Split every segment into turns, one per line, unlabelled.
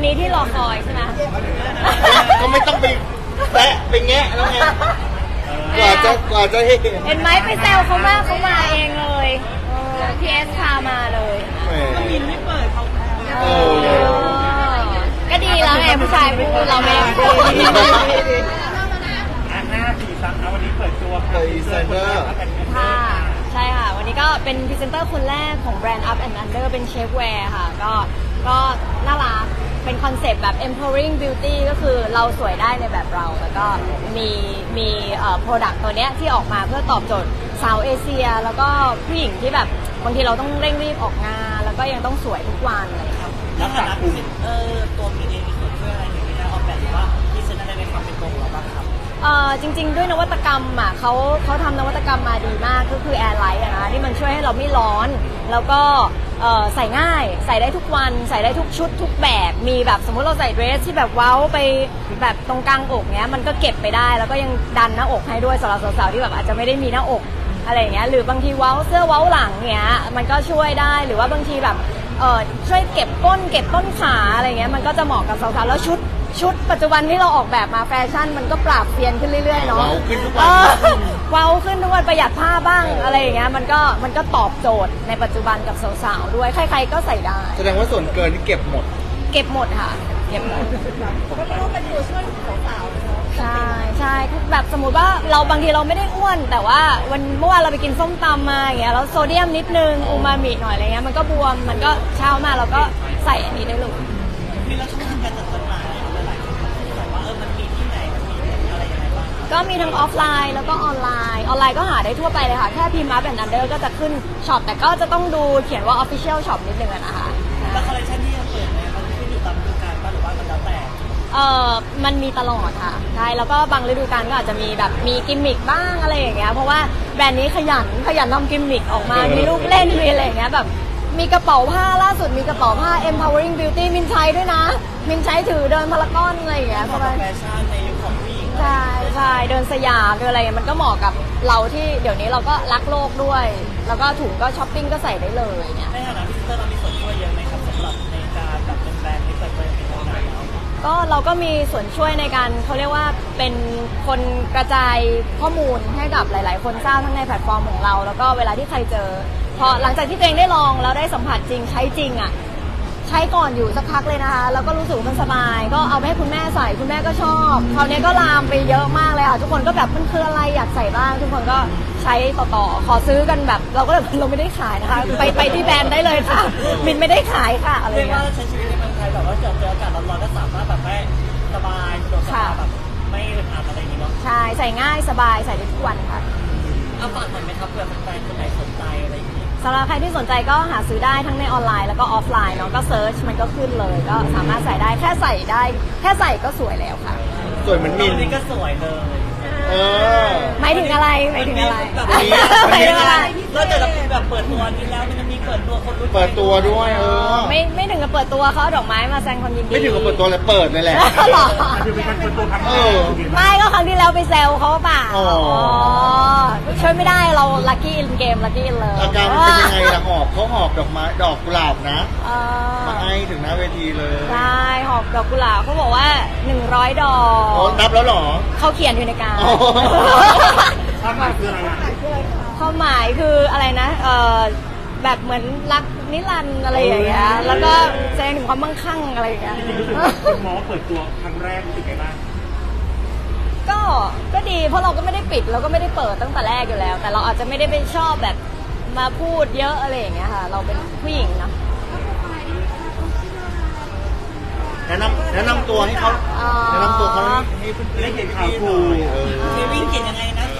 นี้ที่รอคอยใช่ไหม
ก็ไม่ต้องไปแตะไปแงะแล้วไงกว่าจะเห็น
ไหมไปแซวเขามากเขามาเองเลยพีเอสพามาเลยมินไม่เปิดเขาก็ดีแล้วไงผู้ชายพูดเราไม่ได้พูด
5 4 3วันนี้เปิดตัว
พรีเซนเตอร์
ค่ะใช่ค่ะวันนี้ก็เป็นพรีเซนเตอร์คนแรกของแบรนด์ Up and Under เป็นเชฟแวร์ค่ะก็น่ารักเป็นคอนเซปต์แบบ empowering beauty ก็คือเราสวยได้ในแบบเราแล้วก็มีproduct ตัวเนี้ยที่ออกมาเพื่อตอบโจทย์สาวเอเชียแล้วก็ผู้หญิงที่แบบบางทีเราต้องเร่งรีบออกงานแล้วก็ยังต้องสวยทุกวันอะไรอย่างเงี้ย
แล้วฐานะพรีเซนเตอร์ตัวมีเองมีส่วนช่วยอะไรอย่างนี้ได้ออกแบบหรือว่าพรีเซนต์อะไรในความเป็นตัวของเราบ้างครับ
จริงๆด้วยนวัตกรรมอ่ะเขาทำนวัตกรรมมาดีมากก็คือ Air Light อะนะที่มันช่วยให้เราไม่ร้อนแล้วก็ใส่ง่ายใส่ได้ทุกวันใส่ได้ทุกชุดทุกแบบมีแบบสมมติเราใส่เดรสที่แบบเว้าไปแบบตรงกลางอกเนี้ยมันก็เก็บไปได้แล้วก็ยังดันหน้าอกให้ด้วยสำหรับสาวๆที่แบบอาจจะไม่ได้มีหน้าอกอะไรอย่างเงี้ยหรือบางทีเว้าเสื้อเว้าหลังเนี้ยมันก็ช่วยได้หรือว่าบางทีแบบช่วยเก็บก้นเก็บต้นขาอะไรเงี้ยมันก็จะเหมาะกับสาวๆแล้วชุดปัจจุบันที่เราออกแบบมาแฟชั่นมันก็ปรับเปลี่ยนขึ้นเรื่อยๆเนาะ
เว้าขึ้นทุกวัน
เว้าขึ้นทุกวันประหยัดผ้าบ้างอะไรอย่างเงี้ยมันก็ตอบโจทย์ในปัจจุบันกับสาวๆด้วยใครๆก็ใส่ได้
แสดงว่าส่วนเกินที่เก็บหมด
ค่ะเก็บหมด
ก็ต้องเป็นตัวช่วยของสาว
ใช่แบบสมมติว่าเราบางทีเราไม่ได้อ้วนแต่ว่าเมื่อวานเราไปกินส้มตำมาอย่างเงี้ยแล้วโซเดียมนิดนึงอูมามิหน่อยอะไรเงี้ยมันก็บวมมันก็เช้ามาเราก็ใส่อันนี้ได้เลย
มีแล้วช่องทางการจัดจำหน่ายหลายคนบอกว่ามันมีที่ไหนมันมีอะไรยังไงบ้าง
ก็มีทั้งออฟไลน์แล้วก็ออนไลน์ก็หาได้ทั่วไปเลยค่ะแค่พิมพ์มาเป็นอันเดอร์ก็จะขึ้นช็อปแต่ก็จะต้องดูเขียนว่า Official Shop นิดนึงนะคะ
แล้วคอลเลคชันที่จะเปิดเนี่ยมันขึ้นอยู่ตามฤดูกาลป่ะหรือว่ามันแล้วแต่
มันมีตลอดค่ะใช่แล้วก็บางฤดูกาลก็อาจจะมีแบบมีกิมมิคบ้างอะไรอย่างเงี้ยเพราะว่าแบรนด์นี้ขยันทำกิมมิคออกมามีลูกเล่นมีอะไรอย่างเงี้ยแบบมีกระเป๋าผ้าล่าสุดมีกระเป๋าผ้า empowering beauty มินใช้ด้วยนะมินใช้ถือเดินพารากอนอะไรอย่างเงี้ย
สบายแฟชั่นในยุคของผู้หญิง
ใช่เดินสยามเดินอะไรมันก็เหมาะกับเราที่เดี๋ยวนี้เราก็รักโลกด้วยแล้วก็ถุงก็ช้อปปิ้งก็ใส่ได้เลยเนี่ย
ในฐานะพิเศษเรามีส่วนช่วยเยอะไหมครับสำหรับในการแบบเป็นแบรนด์ที่เปิดตัวเป็นทางการแล้ว
ก็เราก็มีส่วนช่วยในการเขาเรียกว่าเป็นคนกระจายข้อมูลให้กับหลายๆคนทราบทั้งในแพลตฟอร์มของเราแล้วก็เวลาที่ใครเจอพอหลังจากที่ตัวเองได้ลองแล้วได้สัมผัสจริงใช้จริงอ่ะใช้ก่อนอยู่สักพักเลยนะคะแล้วก็รู้สึกมันสบายก็เอาไปให้คุณแม่ใส่คุณแม่ก็ชอบคราวนี้ก็ลามไปเยอะมากเลยค่ะทุกคนก็แบบมันคืออะไรอยากใส่บ้างทุกคนก็ใช้ต่อขอซื้อกันแบบเราก็แบบเราไม่ได้ขายนะคะไปที่แบรนด์ได้เลยค่ะมินไม่ได้ขายค่ะอะไรเงี้ย
เรียกว่าใช้ชีวิตในเมืองไทยแบบว่าเจออากาศร้อนๆก็สามารถแบบไม่สบายสะดวกสบายแบบไม่อึดอัดอะไรอย่างงี้เนาะ
ใช่ใส่ง่ายสบายใส่ได้ทุกวันค่ะ
เอาฝากหน่อยไหมครับเผื่อแฟนๆคนไหนสนใจอะไรอย่างงี้
สำหรับใครที่สนใจก็หาซื้อได้ทั้งในออนไลน์แล้วก็ออฟไลน์เนาะก็เซิร์ชมันก็ขึ้นเลยก็สามารถใส่ได้แค่ใส่ก็สวยแล้วค่ะ
สวยเหมือนมิน
นี่ก็สวยเลย
หมายถึงอะไรหมายถึงอะไร
เราจะแบบเปิดตัวนี้แล้วมันจะมีเปิดตัวคนรู้
เปิดตัวด้วย
ไม่ถึงกับเปิดตัวเขาดอกไม้มาแสดงความยินดี
ไม่ถึงกับเปิดตัวเลยเปิดเลยแหละ
หรอ
คือเป็นการเปิดตัวครั้งแรก
ไม่ก็ครั้งที่แล้วไปแซวเขาป่ะช่วยไม่ได้เราลัคกี้อินเกมลัคกี้อินเลย
อาการเป็นยังไงล่ะเขาหอบดอกไม้ดอกกุหลาบนะมาให้ถึงหน้าเวทีเลย
ใช่หอบดอกกุหลาบเขาบอกว่า100 ดอก
นับแล้วหรอ
เขาเขียนอยู่ในการ
ความหมายคืออะไร
ความหมายคืออะไรนะแบบเหมือนรักนิรันดร์อะไรอย่างเงี้ยแล้วก็แสดงถึงความมั่งคั่งอะไรอย่างเงี้ย
คุณหมอเปิดตัวครั้งแรกรู้สึกไงบ้าง
ก็ดีเพราะเราก็ไม่ได้ปิดเราก็ไม่ได้เปิดตั้งแต่แรกอยู่แล้วแต่เราอาจจะไม่ได้เป็นชอบแบบมาพูดเยอะอะไรอย่างเงี้ยค่ะเราเป็นผู้หญิงเนาะ
แนะนำตัวให้เขาแนะนำตัวเขาให้เพื่อน
ได้เห็นข่าวคูเควินเขียนยังไงนะ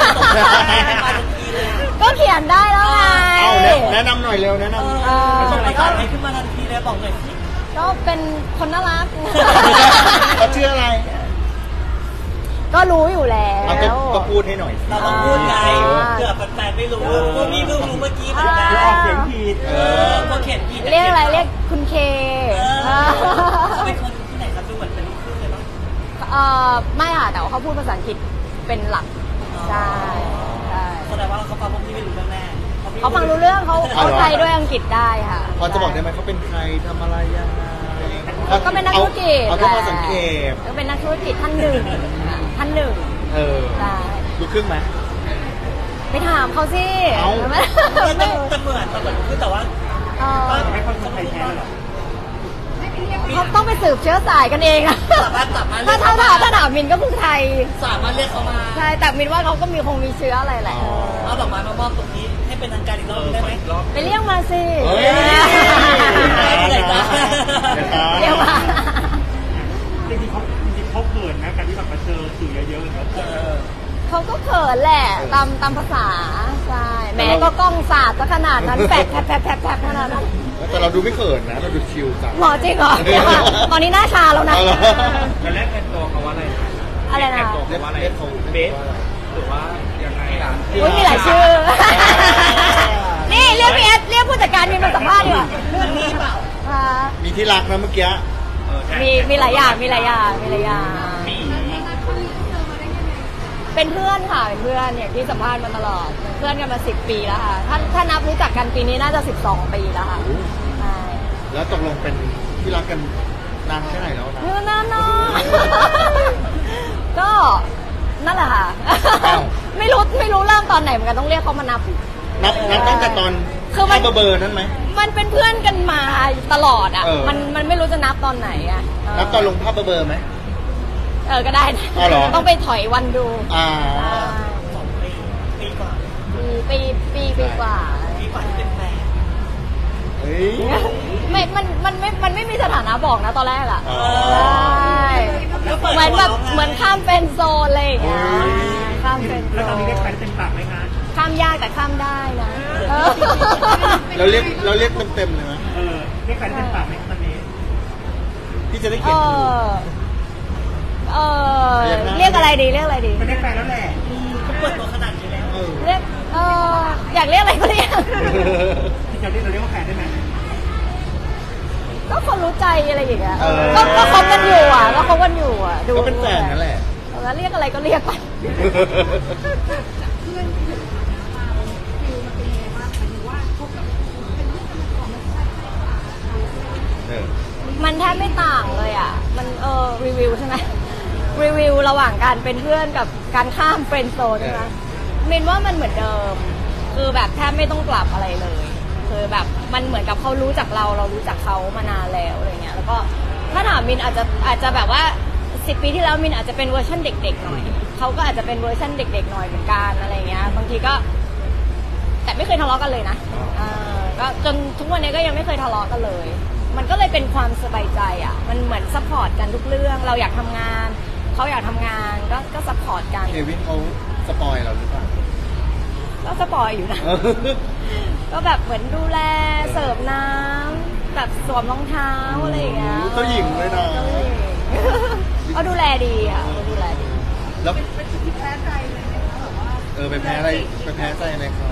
ก็เขียนได้แล้วไง
เอาแนะนำหน่อยเร็วแนะนำ
ส่งรายการให้ขึ้นมาทันทีเลยบอกหน่อย
ก็เป็นคนน่ารัก
เขาชื่ออะไร
ก็รู้อยู่แล้ว
ก็พูดให้หน่อย
เราต้องพูดไงเผื่อแฟนๆไม่รู้ว่ามีเพิ่งรู้เมื่อกี้เหมือนกันออกเสียงผิดก็เขียนผิด
เรียกอะไรเรียกคุณเค
เป็นคนที่ไหนครับดูเหมือนเป็นลูกครึ่งเลยป่ะ
ไม่ค่ะแต่ว่าเขาพูดภาษาอังกฤษเป็นหลักใช่
แสดงว่าเขาฟังพวกพี่ไม่รู้เรื่องแน่
เขาฟังรู้เรื่องเขาไทยด้วยอังกฤษได้ค่ะ
พอจะบอกได้ไหมเขาเป็นใครทำอะไรยังไง
ก็เป็นนักธุรกิจ
เอาแค่พอสังเกต
ก็เป็นนักธุรกิจท่านหนึ่งท่านหนึ่ง
เออ
ใช่
ดูครึ่งไหม
ไปถามเขาสิ
เอ้า
ไม่
แต่เหมือนคือแต่ว่า
เออ
ไม่ค่อยคนไทยแท้หรอ
เขาต้องไปสืบเชื้อสายกันเองอะ
สามารถ
ถ้าถามมินก็คือไทย
สามารถเรียกเขามา
ใช่ แต่มินว่าเขาก็คงมีเชื้ออะไรแหละ
เอาดอกไม้มามอบตรงนี้ให้เป็นทางการอีกรอบได้ไหม
ไปเรียกมาสิ
เฮ้ย
เรียกมา
จริงๆเขาเขินนะการที่แบบมาเจอสื่อเยอะๆแล้ว
เขาก็เขินแหละตามภาษาใช่แหมก็กล้องสาดซะขนาดนั้นแปดแผลขนาดนั้น
แต่เราดูไม่เขินนะ เราดูชิลจัง
หมอจริงเหรอเดี๋ยวก่อนตอนนี้หน้าชาแล้วนะ
เอาเหรอ
จะแลกกันตัวเขาว่าอะไร
อะไรนะ
เรียกเขา
เบสหรือว่ายังไงอ่ะ
อุ้ยมีหลายชื่อ นี่เรียกพี่เอสเรียกผู้จัดการมินมาสัมภาษณ์ดีกว่า
เรื่องนี้เปล่า
อ่า
มีที่รักนะเมื่อกี้
มีหลายอย่างมีหลายอย่างเป็นเพื่อนค่ะเป็นเพื่อนอย่างที่สัมภาษณ์มาตลอดเป็นเพื่อนกันมา10 ปีแล้วค่ะถ้านับรู้จักกันปีนี้น่าจะ12 ปีแล้วค่ะใช่
แล้วตกลงเป็นที่รักกันนานแค่ไหนแล้วนะ
เพื่อนน้อยก็นั่นแหละค่ะ
อ้าว
ไม่รู้เริ่มตอนไหนเหมือนกันต้องเรียกเขามานับ
นับตั้งแต่ตอน
คือมัน
เบอร์นั้นไหม
มันเป็นเพื่อนกันมาตลอดอ่ะ
เออ
มันไม่รู้จะนับตอนไหนอ่ะ
นับตอนลงภาพเบอร์ไหม
ก็ได้นะ
อ๋อเหรอ
ต้องไปถอยวันดู
อ่า
2 ปีกว่า
ปีกว่า
ปีกว่าที่เป็นแฟน
เฮ้ย
มันไม่มีสถานะบอกนะตอนแรกอ่ะ
อ๋อ
ใช่เหมือนแบบเหมือนข้ามเป็นโซนอะไรอย่างเงี้ย
โอ้ย
ข้ามเป็นโซ
แล้วตอน
น
นี้ได้ใครเต็มปากไหมคะ
ข้ามยากแต่ข้ามได้นะเออ
เราเรียกเต็มๆเลยไหม
ได้ใครเต็มปากไหมตอนนี้
ที่จะได้
เอ
เขียนถูก
เรียกอะไรดีเรียกอะไรดี
ไม่ได้แฟนแล้วแหละ
ก็เปิดตัวขนาดนี้แล้ว
เออ
เรียกอยากเรียกอะไรก็เรียก
ที่เราเรียกว่าแฟนได้ไหม
ก็คนรู้ใจอะไรอย่างเงี้ย
เออ
ก็คบกันอยู่อ่ะก็คบกันอยู่อ่ะดู
ก็เป็นแฟนนั่นแหละ
แล้วเรียกอะไรก็เรียกไป
เพื่อนที่อยู่มาฟิลมันเป็นยังไงบ้างหมายถึงว่าคบกับเป็นเพื่อนกันมาก่อนมันใช่กว่า
เออ
มันแทบไม่ต่างเลยอ่ะมันรีวิวใช่ไหมรีวิวระหว่างการเป็นเพื่อนกับการข้ามเฟรนด์โซนใช่ไหมมินว่ามันเหมือนเดิม คือแบบแทบไม่ต้องปรับอะไรเลยคือแบบมันเหมือนกับเขารู้จักเรารู้จักเขามานานแล้วอะไรเงี้ยแล้วก็ถ้าถามมินอาจจะแบบว่า10 ปีที่แล้วมินอาจจะเป็นเวอร์ชันเด็กๆหน่อยเขาก็อาจจะเป็นเวอร์ชันเด็กๆหน่อยเหมือนกันอะไรเงี้ยบางทีก็ แต่ไม่เคยทะเลาะกันเลยนะก็จนทุกวันนี้ก็ยังไม่เคยทะเลาะกันเลย มันก็เลยเป็นความสบายใจอ่ะมันเหมือนซัพพอร์ตกันทุกเรื่องเราอยากทำงานเขาอยากทำงานก็ซัพพอร์ตกัน
เควินเขาสปอยเราหรือเปล่า
ก็สปอยอยู่นะ ก็แบบเหมือนดูแลเสิร์ฟน้ำแบบสวมรองเท้าอะไรอย่างเงี้ย
เจ้าหญิงเลยนะ
เขาดูแลดีอ่ะเขาดูแลดี
แล้ว
เป็นจุดที่แพ้ใจเลยนะคะแบบว่า
ไปแพ้อะไรไปแพ้ใจอะไรเขา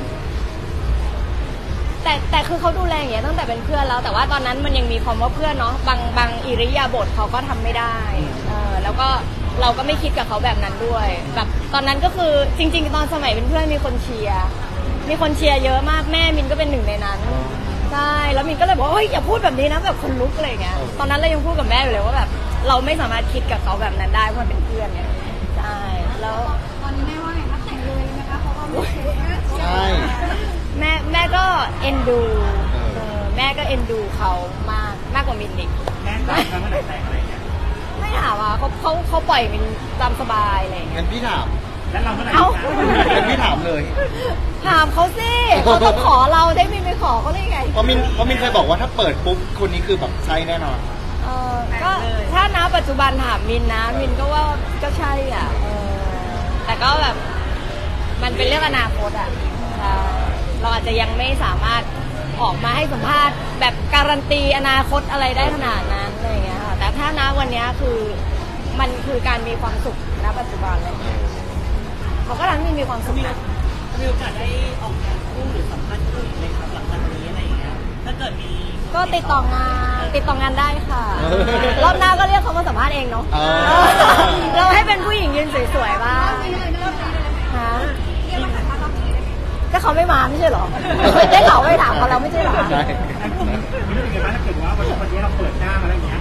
แต่คือเขาดูแลอย่างเงี้ยตั้งแต่เป็นเพื่อนแล้ว แต่ว่าตอนนั้นมันยังมีความว่าเพื่อนเนาะบางอิริยาบถเขาก็ทำไม่ได้แล้วก็เราก็ไม่คิดกับเขาแบบนั้นด้วยแบบตอนนั้นก็คือจริงๆตอนสมัยเป็นเพื่อนมีคนเชียร์เยอะมากแม่มินก็เป็นหนึ่งในนั้นใช่แล้วมินก็เลยบอกว่าเฮ้ยอย่าพูดแบบนี้นะแบบคนลุกอะไรอย่างเงี้ยตอนนั้นเรายังพูดกับแม่อยู่เลยว่าแบบเราไม่สามารถคิดกับเขาแบบนั้นได้เพราะมันเป็นเพื่อนเนี่ยใช่แล้ว
ตอนนี้แม่ว่าไงคะแต่งเลยนะคะเพราะว่าไม่เชื่อ
ใช่
แม่ก็เอ็นดู
เออ
แม่ก็เอ็นดูเขามากกว่ามินอีก
แม่แต่งแล้วเมื่อไหร่แต่งอะไรเงี้ย
ไม่ถามอ่ะเขาปล่อยมินตามสบายอะไรอย่างเงี้ย
งั้นพี่ถาม
แล้วเราเมื่อไหร่
เอ้า
งั้นพี่ถามเลย
ถามเขาสิเขาต้องขอเราได้มินไปขอเขาได้ไง
เพราะมินเคยบอกว่าถ้าเปิดปุ๊บคนนี้คือแบบใช่แน่นอน
ก็ถ้าณปัจจุบันถามมินนะมินก็ว่าก็ใช่อ่ะแต่ก็แบบมันเป็นเรื่องอนาคตอ่ะเราอาจจะยังไม่สามารถออกมาให้สัมภาษณ์แบบการันตีอนาคตอะไรได้ขนาดนั้นอะไรอย่างเงี้ยค่ะแต่ถ้าณวันนี้คือมันคือการมีความสุขณปัจจุบันเลยเขาก็ทำให้มีความสุขนะ
มีโอกาสได้ออกงานคู่หรือสัมภาษณ์คู่อีกไหมครับหลังจากนี้อะไรอย่างเงี้ยถ้าเกิดมี
ก็ติดต่องานได้ค่ะ รอบหน้าก็เรียกเขามาสัมภาษณ์เองเนาะ
อ่า
เราให้เป็นผู้หญิงยืนสวยๆบ้าง
ไม่เลยไม่เลย
ฮะ
เรียกมาถ่ายภาพรอบนี้เลย
ก็เขาไม่มาไม่ใช่เหรอได้เขาไปถามเขาแล้วไม่ใช่เหรอ
ใช่
ไม่รู้เป็นไงบ้างถ้าเกิดว่าวันนี้เราเปิดหน้ามาแล้วอย่างเงี้ย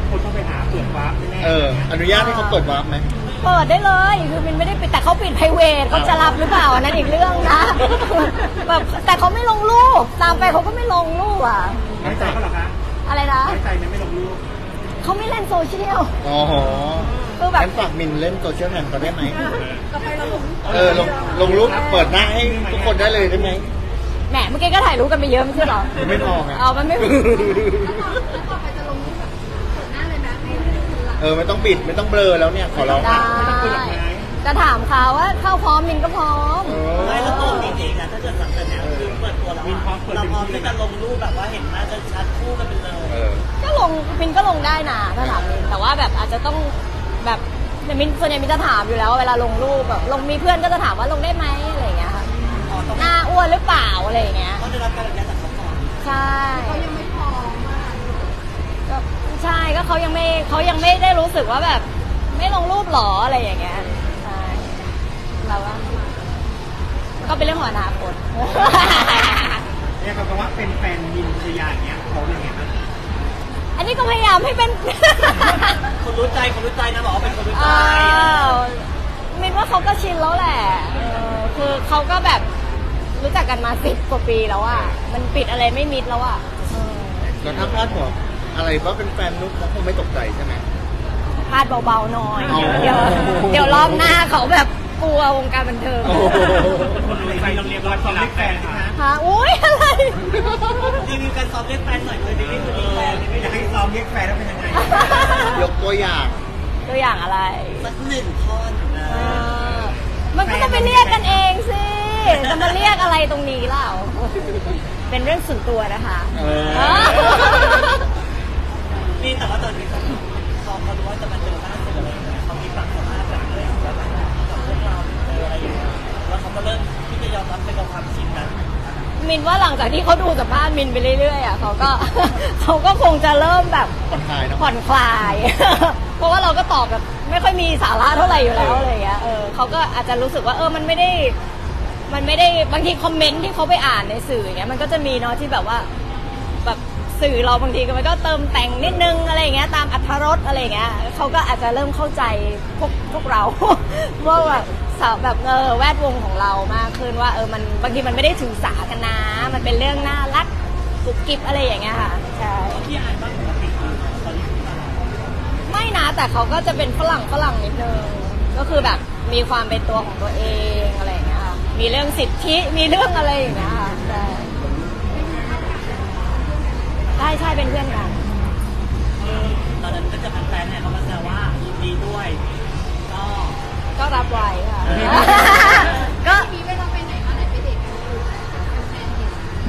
คนต้องไปหาเปิดวาร์ปแน่ๆ
อนุญาตให้เขาเปิดวาร์ปไหม
เปิดได้เลยคือมินไม่ได้ปิดแต่เขาปิด private เขาจะรับหรือเปล่าอันนั้นอีกเรื่องนะแบบแต่เขาไม่ลงรูปตามไปเขาก็ไม่ลงรูปอ่ะ
น้อยใจเขาเหรอคะ
อะไรนะ
น้อยใจไม่ลงรูป
เขาไม่เล่นโซเชียล
อ๋อ
คือแบบ
งั้นฝากมินเล่นโซเชียลแทนเขาได้ไหม
ต่อไปเราลง
ลงรูปเปิดหน้าให้ทุกคนได้เลยได้ไหม
แหมเมื่อกี้ก็ถ่ายรูปกันไปเยอะไม่ใช่เหรอ
ไม่พอไง
เอามันไม่
แล้วต่อไปจะลงรูปแบบเปิดหน้าเลยไหมให้คนรัก
ไม่ต้องบิดไม่ต้องเบลอแล้วเนี่ยขอร้อง
ได้จะถามเขาว่าเข้าพร้อมมินก็พร้อม
ไม่แล้วตัวจริงๆนะถ้าเกิดสังเกตแล้วคือเปิดตัวแล้วเราพร้อมที่จะลงรูปแบบว่าเห็นหน้าชัดๆคู่กันไปเลย
ก็ลงมินก็ลงได้นะถ้าถามมินแต่ว่าแบบอาจจะต้องแบบมินส่วนใหญ่มินจะถามอยู่แล้วเวลาลงรูปแบบลงมีเพื่อนก็จะถามว่าลงได้ไหมอะไรอย่างเงี้ยค่ะหน้าอ้วนหรือเปล่าอะไรอย่างเงี้ย
เขาได้รับการอนุญาตจากเขาก่อน
ใช่
เขายังไม่พร้อมมาก
ก็ใช่ก็เขายังไม่ได้รู้สึกว่าแบบไม่ลงรูปหรออะไรอย่างเงี้ยใช่เราว่าก็เป็นเรื่องของอนาคต
เนี่ยเขาบอกว่าเป็นแฟนมินชยาอย่างเงี้ยเขาเป็นไงบ้าง
อันนี้ก็พยายามให้เป็น
คนรู้ใจนะบอกว่าเป็นคนรู้ใจ
อ้าวมินว่าเขาก็ชินแล้วแหละคือเขาก็แบบรู้จักกันมา10 กว่าปีแล้วอ่ะมันปิดอะไรไม่มิดแล้วอ่ะ
แล้วถ้าพลาดหัวอะไรว่าเป็นแฟนนุ๊กเขาคงไม่ตกใจใช่ไหม
พลาดเบาๆหน่อย
อ๋อ
เดี๋ยวรอบหน้าเขาแบบกลัววงการบันเทิง
โอ้โห
คนรู้ใจเราเรียกว่าความรักแฟนใช่ไหม
ฮะอุ้ยอะไร
รีวิวการซ้อมเรียกแฟนหน่อยเลยรีวิวเรียกแฟน
อยากให้ซ้อมเรียกแฟนแล้วเป็นยังไง
ยกตัวอย่าง
ตัวอย่างอะไร
สัก1 ท่อนนะ
มันก็ต้องไปเรียกกันเองสิจะมาเรียกอะไรตรงนี้เล่าเป็นเรื่องส่วนตัวนะคะ
นี่แต่ว่าตอนนี้เขารู้ว่าจะมาเจอหน้าเจออะไรเขามีปากสัมภาษณ์แบบเลยว่าแบบกับพวกเราเจออะไรอย่างเงี้ยแล้วเขาก็เริ่มที่จะยอมรับในความจริงนั้น
มินว่าหลังจากที่เขาดูสัมภาษณ์มินไปเรื่อยๆอ่ะเขาก็ เขาก็คงจะเริ่มแบบ
ผ่อนคลายเนอะ
ผ่อนคลาย เพราะว่าเราก็ตอบแบบไม่ค่อยมีสาระเท่าไหร่อยู่แล้วอะไรอย่างเงี้ยเขาก็อาจจะรู้สึกว่ามันไม่ได้บางทีคอมเมนต์ที่เขาไปอ่านในสื่ออย่างเงี้ยมันก็จะมีเนาะที่แบบว่าแบบสื่อเราบางทีก็มันก็เติมแต่งนิดนึงอะไรอย่างเงี้ยตามอรรถรสอะไรอย่างเงี้ยเขาก็อาจจะเริ่มเข้าใจพวกเรา ว่าแบบแบบแวดวงของเรามากขึ้นว่ามันบางทีมันไม่ได้ถือสากันนะมันเป็นเรื่องน่ารักกุบกิบอะไรอย่างเงี้ยค่ะใช่
ที่อ่านบ้างปกติตอนนี้ที่มา
ไม่นะแต่เขาก็จะเป็นฝรั่งนิดนึงก็คือแบบมีความเป็นตัวของตัวเองอะไรอย่างเงี้ยค่ะมีเรื่องสิทธิมีเรื่องอะไรอย่างเงี้ยค่ะใช่เป็นเพื่อนกัน
ตอนนั้นก็จะแฟนๆเนี่ยเขามาแซวว่ายินดีด้วยก็
รับไว้ค่ะ ก็
มีเวลาไปไหนมาไหนไปเด็กกันอยู่แฟนๆเห็น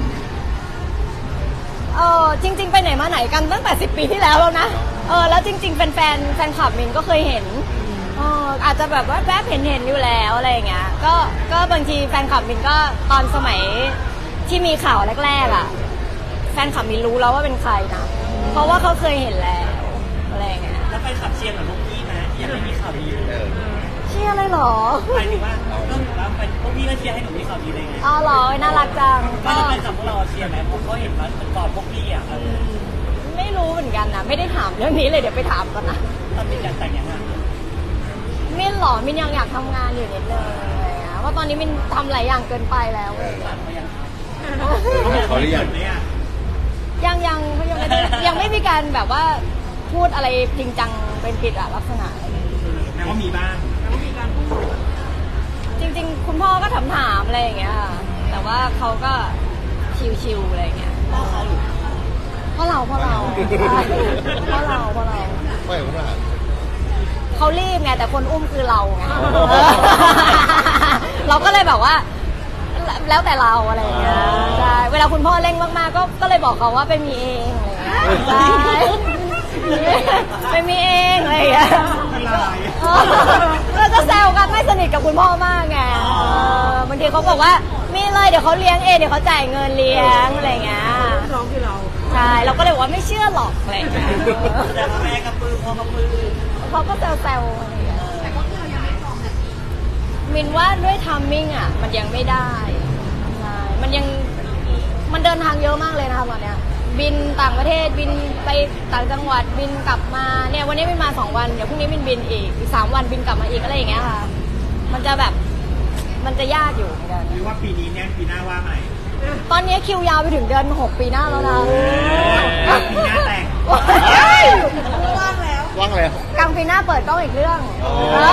จริง ๆ ไปไหนมาไหนกันตั้งแต่10 ปีที่แล้วแล้วนะแล้วจริง ๆแฟนคลับมินก็เคยเห็นอาจจะแบบว่าแวบเห็นอยู่แล้วอะไรอย่างเงี้ยก็บางทีแฟนคลับมินก็ตอนสมัยที่มีข่าวแรกๆอ่ะแฟนคลับมินรู้แล้วว่าเป็นใครนะเพราะว่าเขาเคยเห็นแล้วอะไรอย่างเงี้ย
แล้วไปขับเชียร์กับลูกพี่ไหมยังไม่มีข่าวดี
เชื่ออะไรหรอ
หมายถึงว่าก็ถือว่าเป็นพวกพี่ก็เชียร์ให้หนูมีข่าวดีเลยไง
อ๋อเหรอน่ารักจัง
ก็
ก็
จะเป็นกับพวกเราเชียร์ไหมผมก็เห็นว่ามันก่อนพวกพี่อ่ะ
ไม่รู้เหมือนกันนะไม่ได้ถามเรื่องนี้เลยเดี๋ยวไปถามก่อนนะ
ตอนเป็นการแต่งยังไง
มินเหรอมินยังอยากทำงานอยู่นิดนึงอะไรอย่างเงี้ยว่าตอนนี้มินทำหลายอย่างเกินไปแล้วเลย
ตัดมายัง
เขาหรือยัง
เนี่ย
ยังไม่ได้ยังไม่มีการแบบว่าพูดอะไรจริงจังเป็นกิจลักษณะอะไรอย่างเงี้ย
แม้ว่ามีบ้าง
จริง ๆ คุณพ่อก็ถามอะไรอย่างเงี้ยค่ะแต่ว่าเขาก็ชิวๆอะไรอย่างเงี้ย
พ่อเขาหรือ
เพราะเรา
ไม่เอา
เขารีบไงแต่คนอุ้มคือเราไง เราก็เลยแบบว่า แล้วแต่เราอะไรอย่างเงี้ยใช่เวลาคุณพ่อเร่งมากๆก็เลยบอกเขาว่าไปมีเองอะไรอย่างเงี้ยใช่ไปมีเองอะไรอย่างเงี้ยเราจะแซวกันไม่สนิทกับคุณพ่อมากไงบางทีเขาบอกว่ามีเลยเดี๋ยวเขาเลี้ยงเองเดี๋ยวเขาจ่ายเงินเลี้ยงอะไรอย่างเงี้ย
ร้องคือเรา
ใช่เราก็เลยบอกว่าไม่เชื่อหรอกอะไรอย่างเงี้ย
แต่ว่าแม่กับปืนพ่อกับปืน
เขาก็แซวๆอะไรอย่างเงี้ย
แต่ก็คือเรายังไม่พร้อมแบบนี้
มินว่าด้วยทัมมิ่งอ่ะมันยังไม่ได้ใช่มันเดินทางเยอะมากเลยนะคะตอนเนี้ยบินต่างประเทศบินไปต่างจังหวัดบินกลับมาเนี่ยวันนี้บินมา2 วันเดี๋ยวพรุ่งนี้บินอีก3 วันบินกลับมาอีกอะไรอย่างเงี้ยค่ะมันจะแบบมันจะยากอยู่เหมือนกัน
หรือว่าปีนี้เนี่ยปีหน้าว่าใหม่
ตอนนี้คิวยาวไปถึงเดือน6 ปีหน้าแล้วนะ
ปีหน้าแต่ง
ว่างแล้ว
ว่างแล้ว
กลางปีหน้าเปิดกล้องอีกเรื่อง
อ๋อ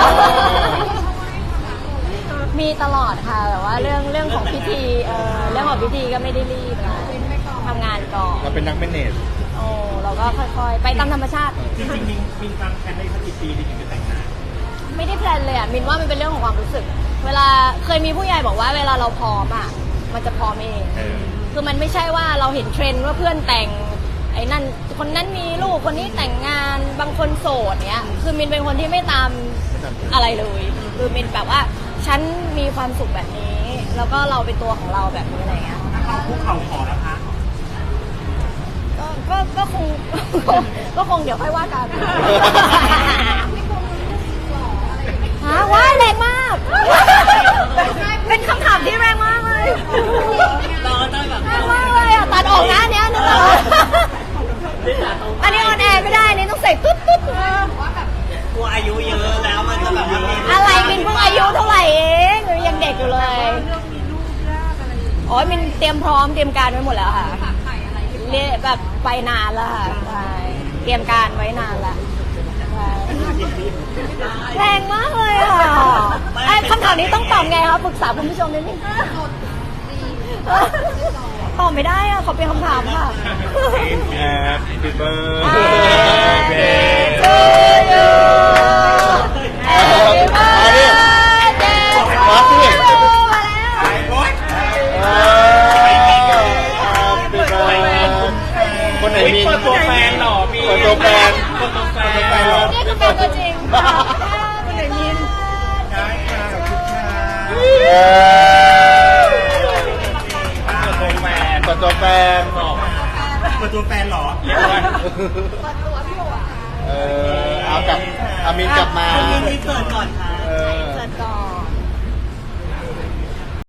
มีตลอดค่ะแต่ว่าเรื่องของพิธีเรื่องของพิธีก็ไม่ได้รีบค่ะทำงานก่อน
เราเป็นนักเมเนจ
โอ้เราก็ค่อยๆ ไปตามธรรมชาติ
จริงๆมีความแผนได้สักกี่ปีถึงจะแต่งงาน
ไม่ได้แพลนเลยอ่ะมินว่ามันเป็นเรื่องของความรู้สึก เวลาเคยมีผู้ใหญ่บอกว่าเวลาเราพร้อมอ่ะมันจะพร้อมเอง คือมันไม่ใช่ว่าเราเห็นเทรนด์ว่าเพื่อนแต่งไอ้นั่นคนนั้นมีลูกคนนี้แต่งงานบางคนโสดเนี้ยคือมินเป็นคนที่ไม่ตามอะไรเลยคือมินแบบว่าฉันมีความสุขแบบนี้ แล้วก็เราเป็นตัวของเราแบบนี้อะไรเงี้ย
ถ้าเขาคุกเข่าขอแล้วคะ
ก็คง ก็คงเดี๋ยวค่อยว่ากันฮะว้ายแรงมาก เป็นคำถามที่แรงมากเลย
เราก็ต้องแบบ
แรงมากเลยอ่ะตัดออกนะเนี้ยนึกออกอันนี้ออนแอร์ไม่ได้นี่ต้องใส่ตุ๊ดตุ๊ด
กลัวอายุเยอะแล้วมันจะแบบว่ามี
อะไรมินเพิ่งอายุเท่าไหร่เองหนูยังเด็กอยู่เลย
เรื่องมีลูกยากอะไรอย่างเงี้ย
โอ้ยมินเตรียมพร้อมเตรียมการไว้หมดแล้วค่ะ
ฝากไข่อะไรที่
เรียกแบบไปนานแล้วค่ะใช่เตรียมการไว้นานละใช่แรงมากเลยอ่ะไอ้คำถามนี้ต้องตอบไงคะปรึกษาคุณผู้ชมนิดนึงตอบไม่ได้อ่ะขอเป็นคำถามค่ะ
Happy
Birthday
birthday
to you Happy birthday to you มาแล้ว
Happy birthday คนไหนมี
เปิดตัวแฟนหรอมี
เปิดตัวแฟน
เปิดตัวแฟน
หรอ
นี่คือแฟนตัวจริงคนไหนมิน
ได้ค่ะขอบคุณค่ะ
เปิดตัวแฟน
เปิดตัวแฟนหรอ
เอากลับอามินกลับมา
คนยินดีเกิดก่อนค่ะ